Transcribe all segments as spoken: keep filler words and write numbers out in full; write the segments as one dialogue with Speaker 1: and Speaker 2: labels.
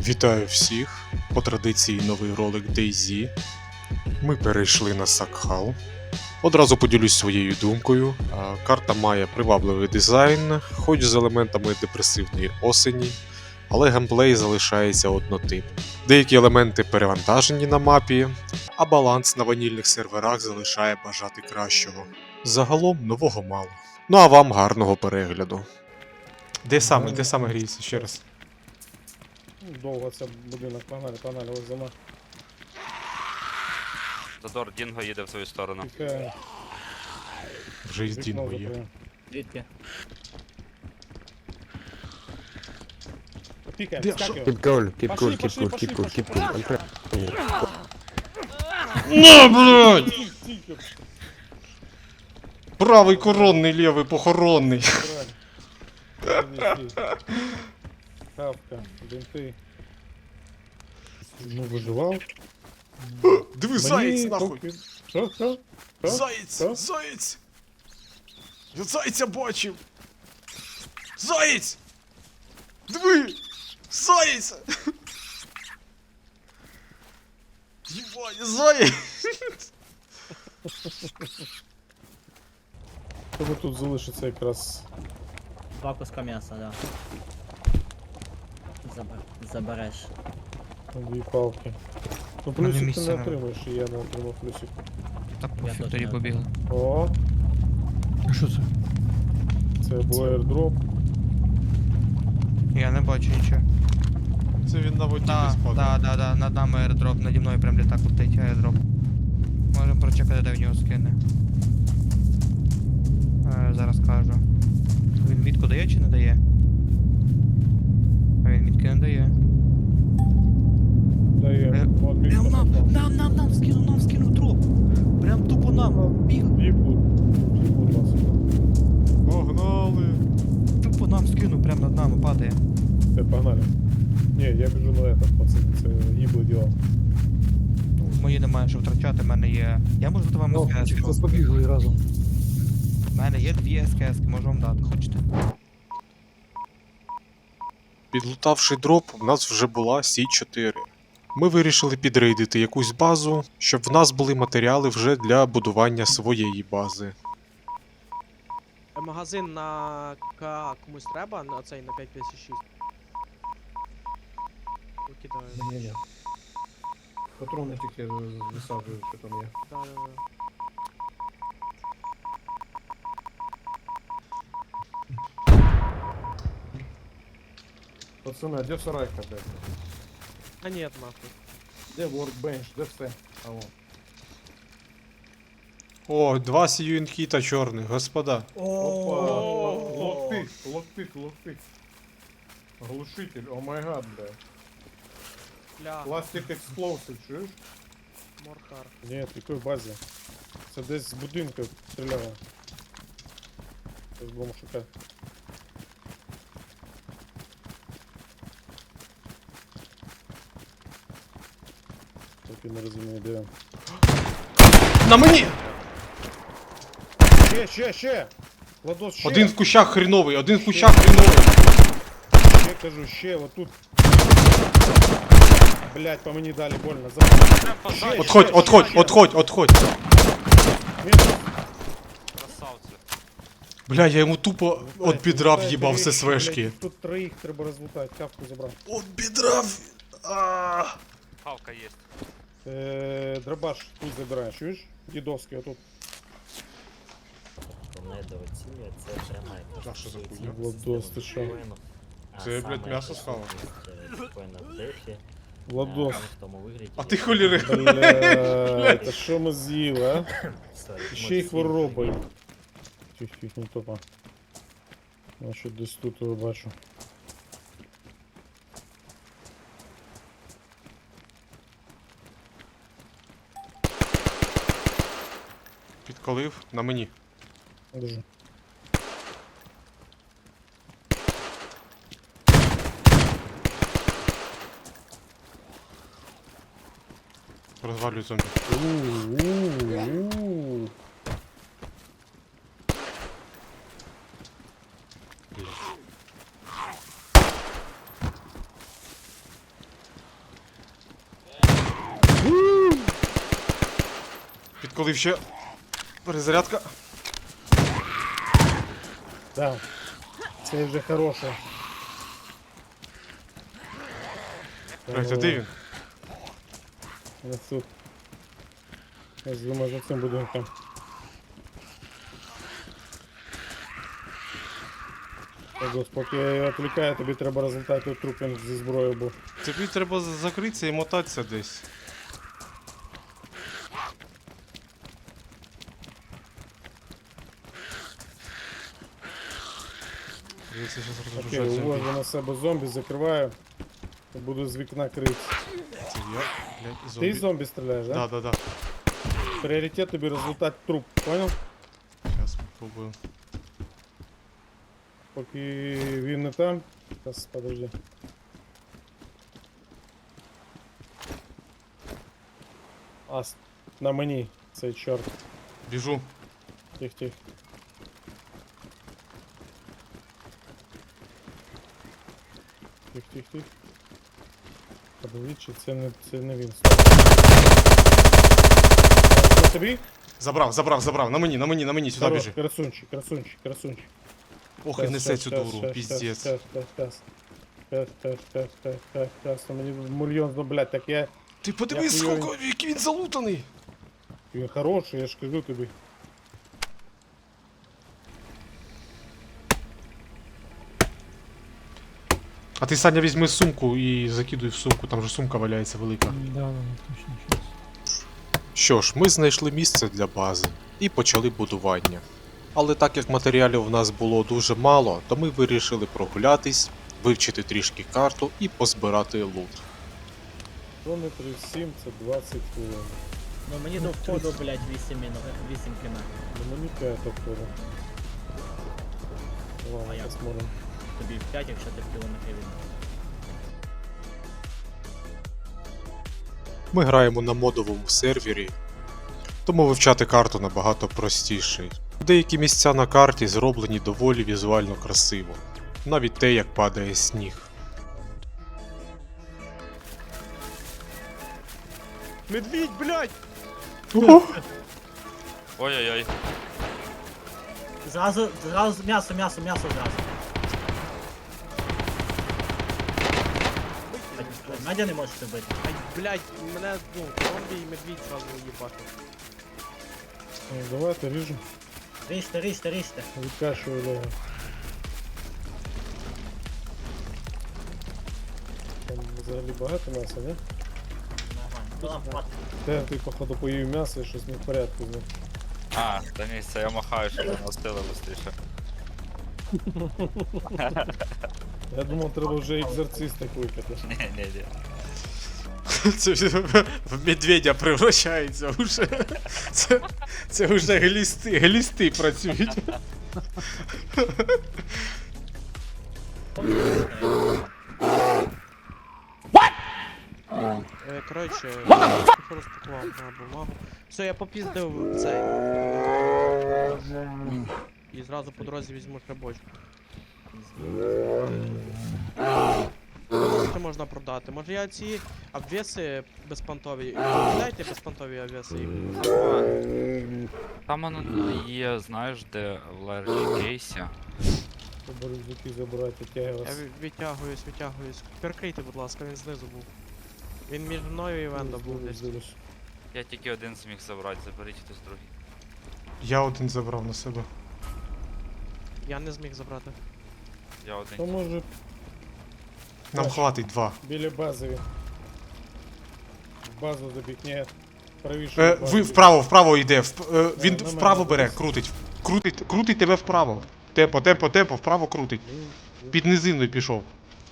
Speaker 1: Вітаю всіх! По традиції новий ролик DayZ. Ми перейшли на Сакхал. Одразу поділюсь своєю думкою. Карта має привабливий дизайн, хоч з елементами депресивної осені, але геймплей залишається однотипним. Деякі елементи перевантажені на мапі, а баланс на ванільних серверах залишає бажати кращого. Загалом нового мало. Ну а вам гарного перегляду. Де саме, де саме гріється ще раз?
Speaker 2: Довго це будинок, погнали, погнали, ось за мною.
Speaker 3: Задор, Дінго їде в свою сторону.
Speaker 2: Тільки
Speaker 1: Вже із
Speaker 2: вікно
Speaker 1: Дінго є.
Speaker 2: закриємо.
Speaker 4: Звідки?
Speaker 2: Пікаємо,
Speaker 1: Де?
Speaker 2: скакиваємо.
Speaker 5: Keep cool, keep
Speaker 2: Пошли,
Speaker 5: cool, keep
Speaker 2: пошли,
Speaker 5: cool,
Speaker 2: пошли,
Speaker 5: keep cool,
Speaker 2: пошли,
Speaker 5: keep cool. I'm trying.
Speaker 1: На, блядь!
Speaker 2: Тільки,
Speaker 1: Правий коронний, лівий похоронний.
Speaker 2: правильно. Хавка, бинти. Ну, виживав.
Speaker 1: Диви, заєць нахуй!
Speaker 2: поки- Що, що? Що?
Speaker 1: Заєць!
Speaker 2: Що?
Speaker 1: Заєць! Я зайця бачив! Заєць! Диви! Заєць! Єбать, заєць!
Speaker 2: Тебе тут залишиться якраз.
Speaker 4: Два куска м'яса, да. Забер... Забереш.
Speaker 2: Дві палки. Ну
Speaker 6: Мене
Speaker 2: плюсик ти
Speaker 6: місця
Speaker 2: не
Speaker 6: нема.
Speaker 2: отримаєш, і я не отримав плюсик.
Speaker 6: Так,
Speaker 4: Я
Speaker 6: пофіг,
Speaker 4: теж
Speaker 6: тоді
Speaker 4: не
Speaker 6: побігли.
Speaker 2: О,
Speaker 6: А що це?
Speaker 2: це був airdrop.
Speaker 6: Я не бачу нічого.
Speaker 1: Це він на воді
Speaker 6: Да,
Speaker 1: десь падає.
Speaker 6: да, да, да, над нами аеродроп, наді мною прям літак летить аеродроп. Можемо прочекати, де в нього скине. Е, зараз кажу. Він мітку дає чи не дає? А він мітки не дає.
Speaker 2: Дає.
Speaker 6: Е,
Speaker 2: От місце
Speaker 6: Прям нам,
Speaker 2: попав.
Speaker 6: нам, нам, нам скинув, нам скинув дроп. Прям тупо нам. Біг,
Speaker 2: Їбуть. Їбуть вас.
Speaker 1: Погнали!
Speaker 6: тупо нам скинув, прям над нами падає.
Speaker 2: Все, погнали. Не, я біжу на этот, пацан, це їбле діло.
Speaker 6: Мої немає що втрачати, в мене є. Я можу дати вам СКС.
Speaker 5: побігли разом.
Speaker 6: У мене є дві СКС, можу вам дати, хочете?
Speaker 1: Підлутавши дроп, в нас вже була Сі чотири. Ми вирішили підрейдити якусь базу, щоб в нас були матеріали вже для будування своєї бази.
Speaker 7: Магазин на К комусь треба, на цей на п'ять п'ятдесят шість. Викидаю.
Speaker 2: Патрони тільки висаджують, що там є.
Speaker 7: Да, да, да.
Speaker 2: Пацани, а де сарайка, блядь?
Speaker 7: А нет, нахуй.
Speaker 2: Де workbench, де все? А вон.
Speaker 1: О, два сіюінкіта чорних, господа.
Speaker 2: Опа! Локтик, локтик, локтик. Глушитель, о май гад, бля.
Speaker 7: Бля,
Speaker 2: Пластик експлосив, чуєш?
Speaker 7: Морхар.
Speaker 2: Ні, в якій базі? Це десь з будинку стріляє. Це з бомшука. Так і не розумію, де. він.
Speaker 1: На мені!
Speaker 2: Ще, ще, ще! Ладос, ще!
Speaker 1: Один в кущах хріновий, один в кущах хріновий.
Speaker 2: Ще кажу, ще, отут. Блять, по мені дали больно. За... Ще,
Speaker 1: Отходь,
Speaker 2: ще,
Speaker 1: отходь,
Speaker 2: ще.
Speaker 1: отходь, отходь.
Speaker 2: Мінус.
Speaker 3: Красавці.
Speaker 1: Бля, я йому тупо от підрав
Speaker 2: Лутайте
Speaker 1: їбав
Speaker 2: речі,
Speaker 1: ССВшки.
Speaker 2: блядь, тут троїх треба розлутати, капку забрав.
Speaker 1: От підрав. А.
Speaker 3: Хавка є.
Speaker 2: Е, дробаш тут забираєш, чуєш? Дідовський, отут.
Speaker 8: Недооцінює, це пряма якась
Speaker 1: А що за хуйня?
Speaker 8: система
Speaker 2: Владос, ти що?
Speaker 8: воїнів, а
Speaker 1: Це, блядь,
Speaker 8: саме
Speaker 1: м'ясо схавав.
Speaker 8: присутність, е, воїна в дефі,
Speaker 2: Владос.
Speaker 8: е, в тому вигляді,
Speaker 1: А ти
Speaker 8: як-
Speaker 1: холіри.
Speaker 2: Бля, та що ми з'їли, а?
Speaker 8: Sorry,
Speaker 2: Ще й
Speaker 8: емоційно.
Speaker 2: хворобою. Тих, тих, не топа. Я що десь тут його бачу.
Speaker 1: Підколив на мені.
Speaker 2: Держи.
Speaker 1: Розвалюю зомбі.
Speaker 2: У-у-у.
Speaker 1: коли ще перезарядка.
Speaker 2: Да. Це вже хороше.
Speaker 1: Блять, а де він?
Speaker 2: Ось тут. Я думаю, за цим будинком. Так, поки я його відвлікаю, тобі треба розлітати труп він зі зброєю був.
Speaker 1: Тобі треба з- закритися і мотатися десь. Я це щас
Speaker 2: Окей,
Speaker 1: розгружаю зомбі.
Speaker 2: увожу на себе зомбі, закриваю. І буду з вікна крити.
Speaker 1: Це я, блядь,
Speaker 2: Ти
Speaker 1: зомбі.
Speaker 2: зомбі стріляєш, да?
Speaker 1: Да, да, да.
Speaker 2: Пріоритет тобі розлутати труп, понял?
Speaker 1: Сейчас попробую.
Speaker 2: Поки він не там. Зараз, подожди. А, с- на мені цей чорт.
Speaker 1: Біжу.
Speaker 2: Тих, тих. Тих, тих, тих. Подивіть, чи це не, це не він. Що тобі?
Speaker 1: Забрав, забрав, забрав. На мені, на мені, на мені, сюди
Speaker 2: Хорош,
Speaker 1: біжи.
Speaker 2: красунчик, красунчик, красунчик.
Speaker 1: Ох, і несе цю дуру, піздець.
Speaker 2: Щас, щас, щас. Щас, щас, щас, щас, щас, щас. На мені мільйон, ну, блядь, так я...
Speaker 1: Ти подивись,
Speaker 2: Я хуйовий.
Speaker 1: скільки, який він залутаний.
Speaker 2: Він хороший, я ж кажу тобі.
Speaker 1: А ти, Саня, візьми сумку і закидуй в сумку, там же сумка валяється велика.
Speaker 5: Да, да, точно, щас.
Speaker 1: Що ж, ми знайшли місце для бази і почали будування. Але так як матеріалів в нас було дуже мало, то ми вирішили прогулятись, вивчити трішки карту і позбирати лут.
Speaker 2: Кілометри сім, це двадцять хвилин.
Speaker 4: Ну мені до входу, блядь, вісім минут, вісім км.
Speaker 2: Ну мені п'ять отходу.
Speaker 4: А
Speaker 2: Ладно,
Speaker 4: як?
Speaker 2: посмотрим.
Speaker 4: Тобі в п'ять, якщо ти в кілометрі від.
Speaker 1: Ми граємо на модовому сервері, тому вивчати карту набагато простіше. Деякі місця на карті зроблені доволі візуально красиво, навіть те, як падає сніг.
Speaker 7: Медвідь, блядь!
Speaker 3: Ой-ой-ой.
Speaker 4: Зразу, зразу, м'ясо, м'ясо, м'ясо зразу. Надя не можеш бити.
Speaker 7: Ай, блядь, мене, ну, зомбі і медвідь сразу їбати.
Speaker 2: Ну, давайте ріжу.
Speaker 4: Ріжте, ріжте, ріжте.
Speaker 2: Відкашую лего. Там взагалі багато м'яса, не?
Speaker 4: Нормально. Ну, нам хватить.
Speaker 2: Те, ти походу поїв м'ясо і щось не в порядку з ним.
Speaker 3: А, та ні, це я махаю, щоб воно остило швидше.
Speaker 2: Я думав, треба вже екзорциста кликати.
Speaker 3: Ні, ні, ні.
Speaker 1: Це в медведя превращається вже. Це, це вже глісти, глісти працюють.
Speaker 7: Е, коротше, я трохи розпакував на бумагу. Все, я попіздив цей. І зразу по дорозі візьму шрабочку. Що можна продати? Може я ці обвеси безпонтові. Дайте безпонтові обвеси їм.
Speaker 3: Там воно є, знаєш, де в ларі кейсі.
Speaker 2: Треба рюкзаки забирати, тяги
Speaker 7: Я
Speaker 2: вас.
Speaker 7: ві- відтягуюсь, відтягуюсь. Перекрийте, будь ласка, він знизу був. Він між мною і Вендом був десь.
Speaker 3: Я тільки один зміг забрати, заберіть хтось другий.
Speaker 1: Я один забрав на себе.
Speaker 7: Я не зміг забрати.
Speaker 3: Я
Speaker 2: То
Speaker 3: один.
Speaker 2: може
Speaker 1: Нам хватить два.
Speaker 2: біля бази він. В базу забіг, ні. Правіше.
Speaker 1: Е,
Speaker 2: в базу
Speaker 1: ви
Speaker 2: біг.
Speaker 1: вправо, вправо йде. вп- е, він
Speaker 2: на мене
Speaker 1: вправо бере,
Speaker 2: дивись.
Speaker 1: крутить. Крутить, крутить тебе вправо. Темпо, темпо, темпо, вправо крутить.
Speaker 2: Ну,
Speaker 1: Під низиною пішов.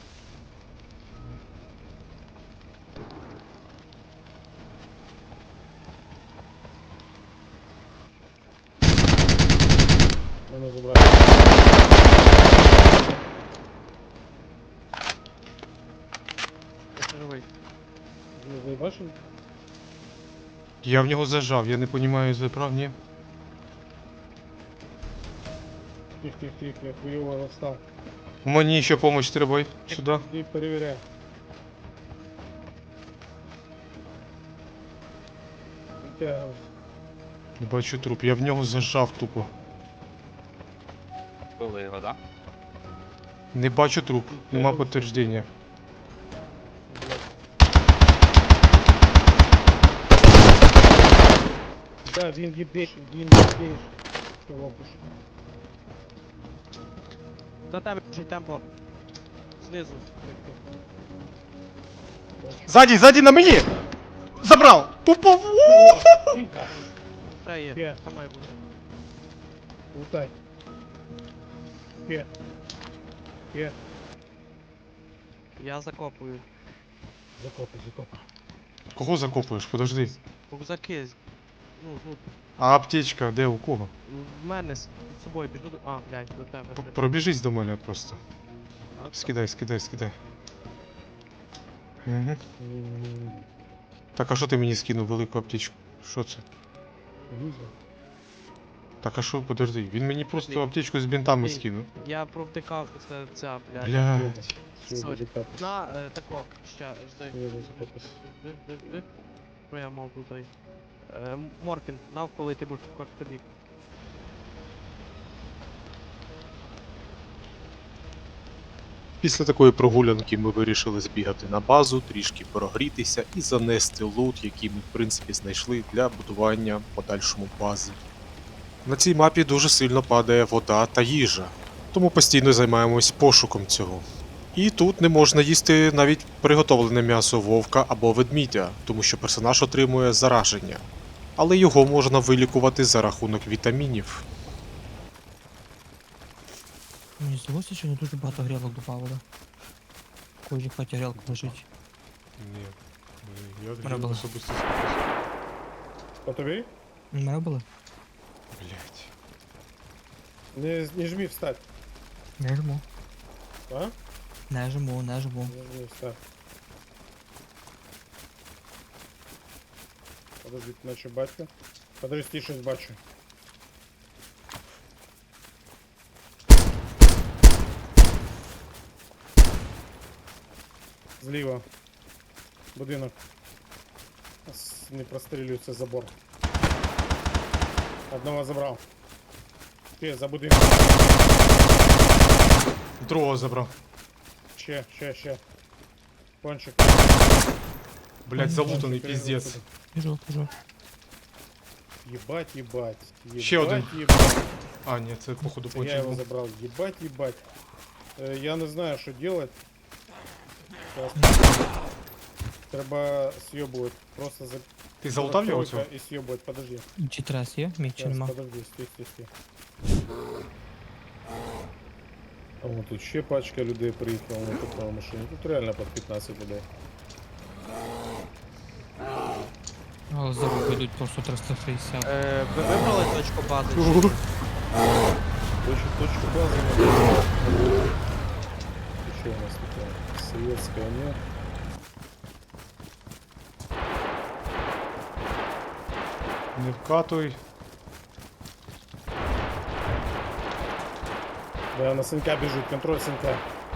Speaker 2: Мене забрали.
Speaker 7: Я живий.
Speaker 2: Ви заїбашили?
Speaker 1: Я в нього зажав, я не розумію, забрав, ні.
Speaker 2: Тих, тих, тих, я хуйово розстав.
Speaker 1: Мені ще допомога треба. Сюди.
Speaker 2: Іди перевіряй. Витягуйся.
Speaker 1: Не бачу труп, я в нього зажав тупо.
Speaker 3: Били його, да?
Speaker 1: Не бачу труп, нема підтвердження.
Speaker 2: Да, він їбеш, він їбеш. Що лопуш?
Speaker 7: До тебе біжить темпо. Знизу.
Speaker 1: Ззаді, ззаді на мені! Забрав! Тупо!
Speaker 7: Та є,
Speaker 2: Є.
Speaker 7: там має бути.
Speaker 2: Лутай. Є. Є.
Speaker 7: Я закопую.
Speaker 2: Закопай, закопай.
Speaker 1: Кого закопуєш? Подожди.
Speaker 7: Рюкзаки. Ну, ну,
Speaker 1: А аптечка де у кого?
Speaker 7: в мене з з собою біжу до. А, блядь, до тебе.
Speaker 1: П- Пробіжись до мене просто.
Speaker 7: А,
Speaker 1: Скидай, скидай, скидай. Угу.
Speaker 2: М,
Speaker 1: Так, а що ти мені скинув велику аптечку? Що це?
Speaker 2: Лузер.
Speaker 1: Так, а що, подожди, він мені просто аптечку з бінтами
Speaker 7: Ні.
Speaker 1: скинув.
Speaker 7: Я провтикав це, ця, блядь.
Speaker 1: Блядь.
Speaker 2: Все,
Speaker 7: Сорі.
Speaker 2: буде капати.
Speaker 7: На, е, тако, ща, жди.
Speaker 2: Я буду закопати.
Speaker 7: Жди, жди, жди. Що я мав тут? Е, Морфін, навколи ти будеш в тобі.
Speaker 1: Після такої прогулянки ми вирішили збігати на базу, трішки прогрітися і занести лут, який ми в принципі знайшли для будування подальшому бази. На цій мапі дуже сильно падає вода та їжа, тому постійно займаємось пошуком цього. І тут не можна їсти навіть приготовлене м'ясо вовка або ведмідя, тому що персонаж отримує зараження. Але його можна вилікувати за рахунок вітамінів.
Speaker 9: Мені здалося, що не дуже багато грілок добавили. В кожній хаті грілка лежить.
Speaker 1: Ні, я
Speaker 9: Мене було.
Speaker 1: особисто
Speaker 2: По тобі?
Speaker 9: У мене були?
Speaker 1: Блять.
Speaker 2: Не, не жми встать.
Speaker 9: Не жму.
Speaker 2: А?
Speaker 9: Не жму, не жму.
Speaker 2: Не жми встать. Подожди, наче батька. Подожди, щось бачу. Зліва. Будинок. С- Не прострілюється забор. Одного забрав. Ще, за будинком.
Speaker 1: Другого забрав.
Speaker 2: Ще, ще, ще. Кончик.
Speaker 1: Блять, залутаний
Speaker 2: Кончик,
Speaker 1: піздець.
Speaker 2: отсюда.
Speaker 9: Біжу, біжу.
Speaker 2: Єбать, єбать. Єбать,
Speaker 1: Ще один.
Speaker 2: Єбать.
Speaker 1: А, ні, це походу
Speaker 2: Це я його
Speaker 1: почав.
Speaker 2: забрав. Єбать, єбать. Е, я не знаю, що делать. Зараз. Треба с'єбувати. Просто за...
Speaker 1: Ти залутав його цього?
Speaker 2: І с'єбувати, подожди.
Speaker 9: Чи трес є? Мій чи
Speaker 2: Зараз,
Speaker 9: нема?
Speaker 2: подожди, стій, стій, стій. А вон тут ще пачка людей приїхала на такому машині. Тут реально під п'ятнадцять людей.
Speaker 9: Але здорово йдуть просто триста шістдесят.
Speaker 7: Е, ви вибрали точку бази? чи
Speaker 1: Угу.
Speaker 7: ні?
Speaker 2: Точку, точку базы. Что у нас такое? Советская, нет?
Speaker 1: Не вкатуй.
Speaker 2: Да, на сынка бежит, контроль сынка.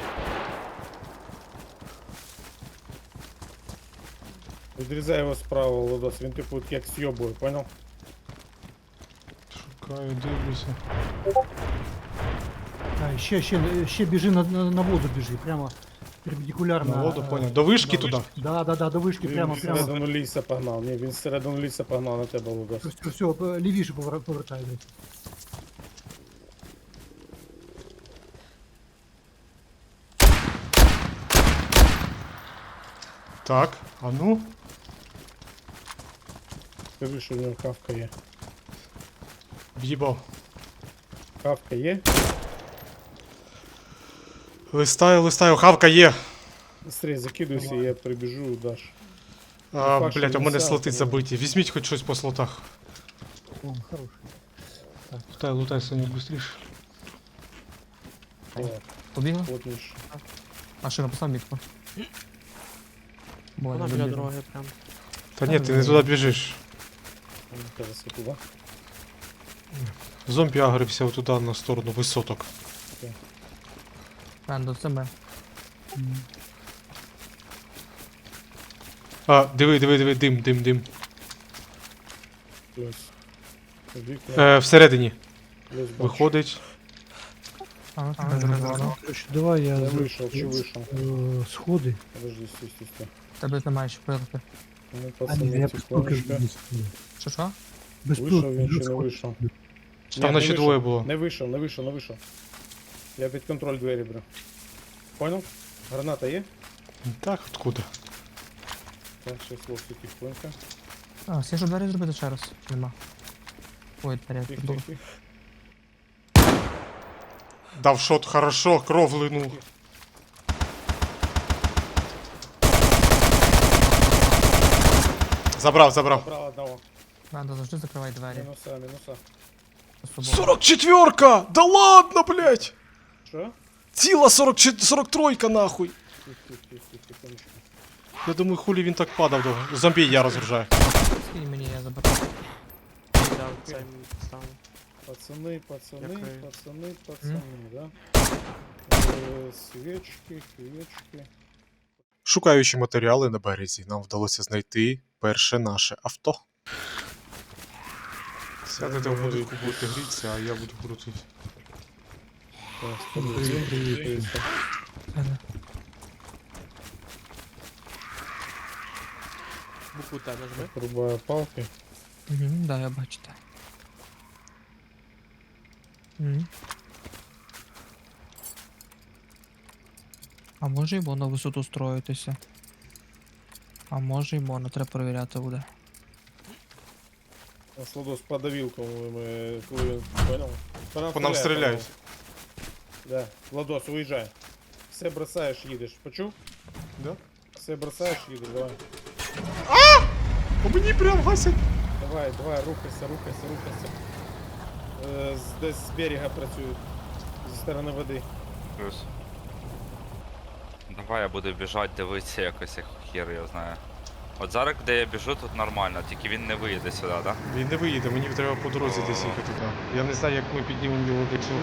Speaker 2: Відрізай його справа, Лодос, він типу як с'єбує, понял?
Speaker 1: Шукаю, дивлюся.
Speaker 5: А, ще, ще, ще біжи на, на, на воду біжи, прямо перпендикулярно.
Speaker 1: На воду,
Speaker 5: е,
Speaker 1: поняв. До вишки
Speaker 5: да,
Speaker 1: туди?
Speaker 5: Да, да, да, до вишки,
Speaker 2: Він
Speaker 5: прямо, прямо.
Speaker 2: всередину ліса погнав, ні, він всередину ліса погнав на тебе, Лодос.
Speaker 5: Все, все, все, лівіше повер- повертай. блядь.
Speaker 1: Так, а ну.
Speaker 2: Скажи, що в нього кавка є.
Speaker 1: В'їбав.
Speaker 2: Кавка є?
Speaker 1: Листаю, листаю, хавка є.
Speaker 2: Быстрее закидуйся, я прибіжу, даш.
Speaker 1: А,
Speaker 2: факт, що
Speaker 1: блять, у
Speaker 2: він
Speaker 1: мене
Speaker 2: сам,
Speaker 1: слоти
Speaker 2: тому-
Speaker 1: забиті. Візьміть хоч щось по слотах.
Speaker 5: О, хороший.
Speaker 1: Лутай, лутай, Сонік, быстріше.
Speaker 2: О,
Speaker 9: Побігла?
Speaker 2: плотніше.
Speaker 9: А що написав мітку? Бо
Speaker 7: Вона
Speaker 9: не
Speaker 7: біля
Speaker 9: добіжу.
Speaker 7: дороги прям.
Speaker 1: Та ні, ти не туди біжиш.
Speaker 2: Зараз я туди.
Speaker 1: Зомбі агрився туди на сторону висоток.
Speaker 9: А, до себе.
Speaker 1: А, диви, диви, диви, дим, дим, дим.
Speaker 2: Плюс. Вікна.
Speaker 1: Е, всередині.
Speaker 2: Десь бачу.
Speaker 1: Виходить.
Speaker 9: А,
Speaker 6: А,
Speaker 9: а,
Speaker 6: зрозуміло.
Speaker 5: Короче, давай я...
Speaker 2: Я
Speaker 5: за-
Speaker 2: вийшов, чи вийшов?
Speaker 5: э, Сходи.
Speaker 2: Подожди, стой, стой, стой.
Speaker 9: Тебе немає ще пилки.
Speaker 2: Ну,
Speaker 5: А, ні,
Speaker 2: пацани,
Speaker 5: я без пилки
Speaker 2: тихонечко.
Speaker 5: без пилки.
Speaker 9: Що що?
Speaker 5: Без
Speaker 2: Вийшов
Speaker 5: пилки,
Speaker 2: він чи
Speaker 5: без
Speaker 2: не
Speaker 5: сходи.
Speaker 2: вийшов?
Speaker 1: Чи там
Speaker 2: Ні, не
Speaker 1: наче
Speaker 2: вийшов.
Speaker 1: двоє було?
Speaker 2: Не вийшов, не вийшов, не вийшов. Я під контроль двері беру. Понял? Граната є?
Speaker 1: Так, откуда?
Speaker 2: Так, ще хлопці, тихонько.
Speaker 9: А, всі ж двері зробити ще раз. Чи нема? Ой, двері
Speaker 2: Тих,
Speaker 9: тут.
Speaker 2: тих, тих.
Speaker 1: Дав шот хорошо, кров линув. Забрав, забрав.
Speaker 2: Забрав одного.
Speaker 9: Надо завжди закривай двері.
Speaker 2: Мінуса, мінуса.
Speaker 9: з собою.
Speaker 1: сорок четверка! Да ладно, блядь!
Speaker 2: Що?
Speaker 1: Ціла сорок тройка нахуй!
Speaker 2: Тих, тих, тих, тих, тихонечко.
Speaker 1: Я думаю, хулі він так падав довго. Зомбі я розгружаю.
Speaker 9: Скинь мені, я заберу.
Speaker 7: Да, цей ставлю.
Speaker 2: Пацани, пацани,
Speaker 7: Дякую.
Speaker 2: пацани, пацани, да? Е, Свічки, свічки.
Speaker 1: Шукаючи матеріали на березі, нам вдалося знайти перше наше авто. Сядете в будинку, будете грітися, а я буду крутити.
Speaker 2: Так, подивись, подивись.
Speaker 9: Ага.
Speaker 7: Букву Т нажми.
Speaker 2: Рубаю палки.
Speaker 9: Угу, да, я бачу те. Угу. А може й на висоту строїтися. А може й можна, треба перевіряти буде.
Speaker 2: Сладос подавил, по-моему, э, коли він, понял? По
Speaker 1: По нам стріляють.
Speaker 2: Да, Владос, уїжджай. Все бросаєш, їдеш. Почув?
Speaker 1: Да?
Speaker 2: Все бросаєш, їдеш, давай.
Speaker 1: По мені прям гасять.
Speaker 2: Давай, давай, рухайся, рухайся, рухайся. Е, з- десь з берега працюють. Зі сторони води.
Speaker 3: Плюс. Давай я буду біжати, дивитися якось, як хер я знаю. От зараз, де я біжу, тут нормально, тільки він не виїде сюди, так? Да?
Speaker 1: Він не виїде, мені треба по дорозі десь їхати туди. Я не знаю, як ми піднімемо його до цього.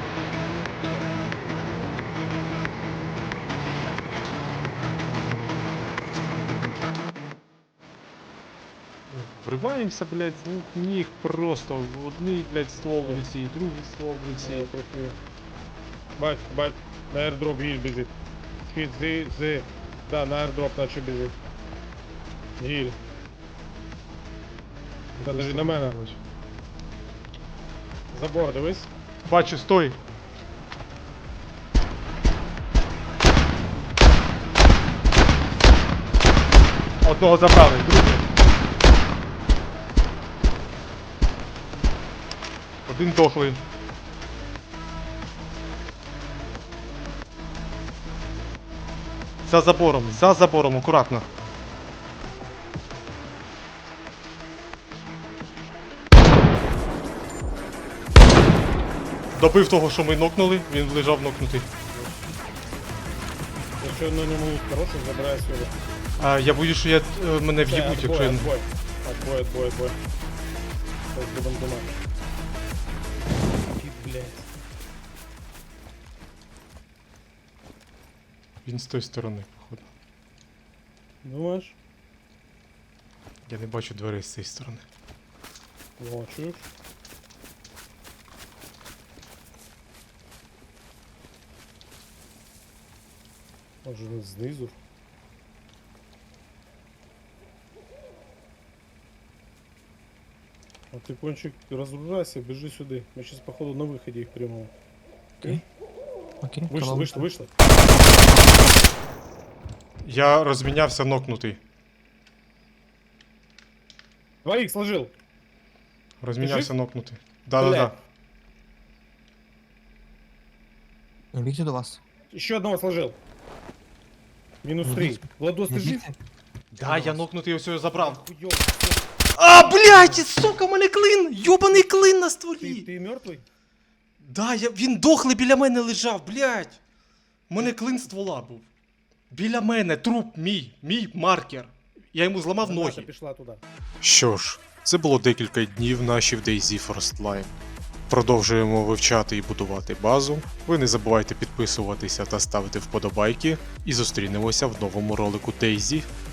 Speaker 1: Вриваємося, блядь, ну ніг просто. Одний, блядь, ствол в руці, другий ствол в руці.
Speaker 2: Бать, бать, на аирдроп гіль біжить. Хід, зи, зи. Да, на аирдроп наче біжить. Гіль. Та даже на мене. Забор, дивись.
Speaker 1: Бачу, стой! Одного забрали, другий. Один дохлий. За забором, за забором, акуратно. Добив того, що ми нокнули, він лежав нокнутий.
Speaker 2: Якщо на ньому лут хороший, забирай сюди.
Speaker 1: А, я боюсь, що я, е, мене в'їбуть, якщо я...
Speaker 2: Отбой, отбой, отбой, отбой. Зараз будемо думати. Ти, блядь.
Speaker 1: Він з тої сторони, походу.
Speaker 2: Думаєш?
Speaker 1: Я не бачу дверей з цієї сторони.
Speaker 2: О, чуєш? Може він знизу? А ти, кончик, розгружайся, біжи сюди. Ми зараз, походу, на виході їх приймемо.
Speaker 9: Окей. Окей.
Speaker 2: Вийшли,
Speaker 9: коло-
Speaker 2: вийшли, вийшли.
Speaker 1: Я розмінявся нокнутий.
Speaker 2: Двоих сложил.
Speaker 1: Розмінявся
Speaker 2: жив?
Speaker 1: нокнутий. Да-да-да.
Speaker 9: Не бігти до вас.
Speaker 2: Еще одного сложил. Минус
Speaker 9: Не
Speaker 2: три.
Speaker 9: бігти.
Speaker 2: Владос,
Speaker 9: Не
Speaker 2: ты жив?
Speaker 9: бігти.
Speaker 1: Да, я нокнутий, ось його забрав.
Speaker 2: Хуёво.
Speaker 1: А, блядь, сука, у мене клин! Йобаний клин на
Speaker 2: Ты,
Speaker 1: стволі!
Speaker 2: ты мертвый?
Speaker 1: Да, я, він дохлий біля мене лежав, блядь! У мене клин ствола був. Біля мене, труп мій, мій маркер. Я йому зламав
Speaker 2: Граната
Speaker 1: ноги.
Speaker 2: пішла туди.
Speaker 1: Що ж, це було декілька днів наші в DayZ First Продовжуємо вивчати і будувати базу. Ви не забувайте підписуватися та ставити вподобайки. І зустрінемося в новому ролику DayZ.